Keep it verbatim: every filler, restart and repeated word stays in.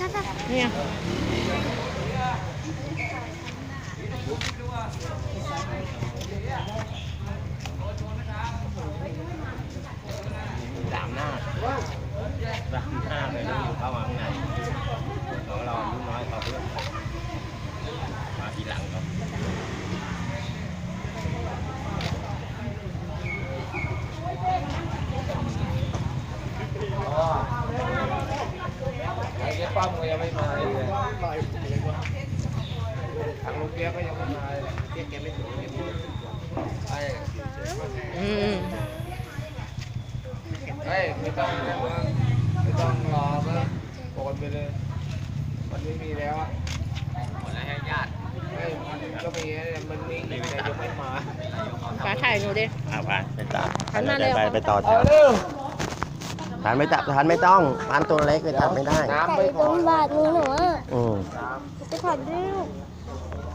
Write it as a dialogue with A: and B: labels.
A: เนี่ย
B: สามหน้าสามหน้าเลยต้องอยู่เข้ามาข้างในของเราอายุน้อยกว่าเพื่อนมาทีหลังครับไอ้เจ๊ป้อมก็ยังไม่มาเลยทางลูกเปียก็ยังไม่มาเจ๊แกไม่ถึงไอ้
A: อืม
B: เฮ้ยไม่ต้องไม่ต้องรอก็โอนไปเลยมันไม่มีแล้วอ่ะหมดแล้วให้ญาติเฮ้ยมันก็มีมันมีแต่ยังไม่มา
A: ฟ้าถ่ายหนูดิ
C: อ่าไปไปต่อ
A: หันมาเร็ว
C: ไปไปต่อแถวทานไม่ตับทานไม่ต้องทานตัวเล็กไปตัดไม่ได้
B: น้ำ
D: แต่
B: ไม่พอ
D: ต้นบาทมือหนูอ่ะ
C: อืม
D: จะขัดด้วยลูก